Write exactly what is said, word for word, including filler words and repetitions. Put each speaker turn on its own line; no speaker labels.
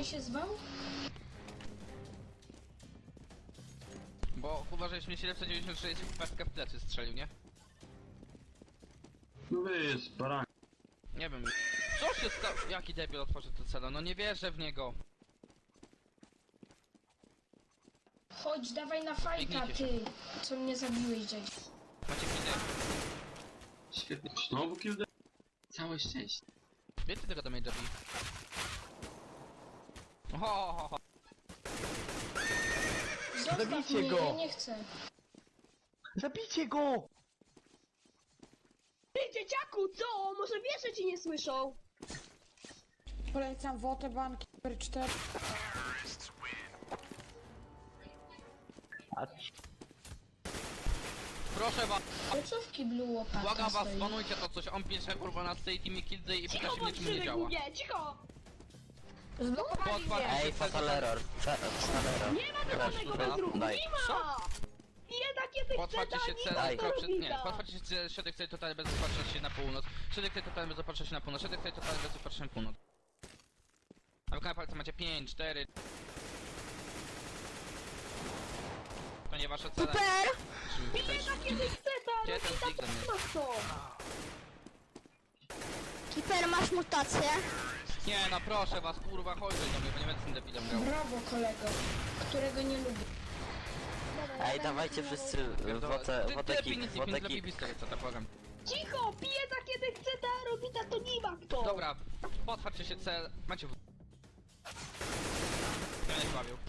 Andrzej się zwał?
Bo uważaj, że mi siedemset dziewięćdziesiąt sześć pestka w plecy strzelił, nie?
No wiesz, baran.
Nie wiem. Co się stało? Jaki debil otworzył to celo? No nie wierzę w niego.
Chodź, dawaj na fajta,
Biegnijcie
ty, co mnie zabiłeś, Jay.
Macie widzę.
Świetnie. Znowu kill. Całe szczęście.
Wiecie tego do mnie dobi. Ho, ho, ho.
Zostaw
Zabijcie
mnie,
go!
ja nie chcę.
Zabijcie go!
Ty, dzieciaku, co? Może wiesz, że ci nie słyszą?
Polecam Wotę Banki numer cztery.
A
Proszę was,
Ale co w kiblu łopatka
błagam was,
stoi?
banujcie to coś. On pisze kurwa na tej teamie kildy i pyta
Cicho,
się mnie, czemu nie
bądź
działa.
głupie, cicho!
Zblokowali
Potwar-
mnie!
Ej, fatal error. Fa fatal error.
Nie ma żadnego
Weź,
bezruchu,
daj.
nie ma! Bieda, kiedy chce,
Potwarcie się
daj,
cel,
daj.
kropce, nie,
robita.
potwarcie się cel, środek tej totalny bez zapatrzenia się na północ. Środek tej totalny bez zapatrzenia się na północ. Środek tej totalny bez zapatrzenia na północ. A w palce macie pięć, cztery. To nie wasze cele.
Super!
Bieda, kiedy chce, ta
Gdzie ten
robita,
stik
to
do mnie?
masz to!
Kiper, masz mutację?
Nie no proszę was, kurwa, chodź do mnie, bo nie będę z tym debilem grał.
Brawo, kolego, którego nie lubię.
Ej, dawajcie wszyscy wotę,
Ty, ty
woteki,
lepiej nic nie pięć, lepiej
woteki.
pistolet, co tak błagam.
Cicho, bieda, kiedy chce, ta robita, to nie ma kto!
Dobra, potwarcie się cel, macie w... Ja nie bawił.